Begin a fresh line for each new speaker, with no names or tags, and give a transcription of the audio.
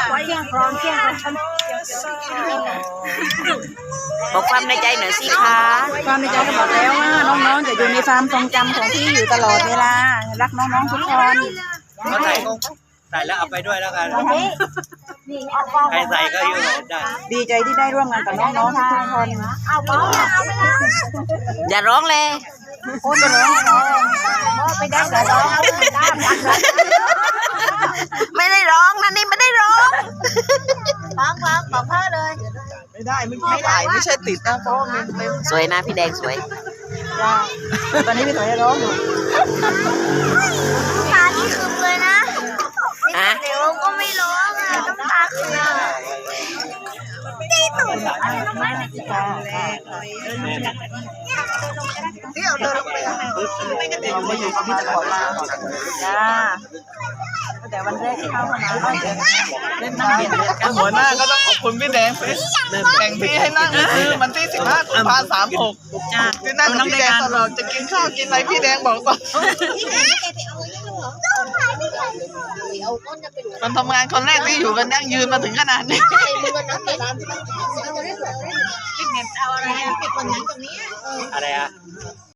เที่ยงครองเที่ยงครอง
บอกความในใจหน่อยสิคะ
ความในใจก็บอกแล้วว่าน้องๆจะอยู่ในความทรงจำของพี่อยู่ตลอดเวลารักน้องๆทุกคน
ก็ใส่แล้วเอาไปด้วยแล้วกันใครใส่ก็อยู่ได้
ดีใจที่ได้ร่วมงานกับน้องๆทุกคน
อย่าร้องเลย
โอ้ยไปร้องไปได้แต่ร้อง
ไม่ได้ร้องนะนี่ไม่ได้ร้อง
ฟังบอกพ่อเลย
ไม่ได้ไม่ถ่ายไม่ใช่ติดนะเพราะว่ามันเป็น
สวยนะพี่แดงสวย
ตอนนี้พี่ถอยร้องอยู่
ตาที่คึมเลยนะ
ฮะ
เดี๋ยวก็ไม่ร้องอ่ะน้ำตาคึมตีตุ่น
เที่ยวเดินลงไปเราไม่อยู่ที่จะขอลา
จ้าแต่วันแรกที่เข้ามาก็จะเล่นน้ำเย็นเลยกัน
หัวหน้าก็ต้องขอบคุณพี่แดงฟิชแข่งที่ให้นั่งคือวันที่15 ตุลาคม 36ที่นั่งกับพี่แดงตลอดจะกินข้าวกินอะไรพี่แดงบอกก่อนคนทำงานคนแรกที่อยู่กันยั่งยืนมาถึงขนาดนี้
อะไรอ่ะ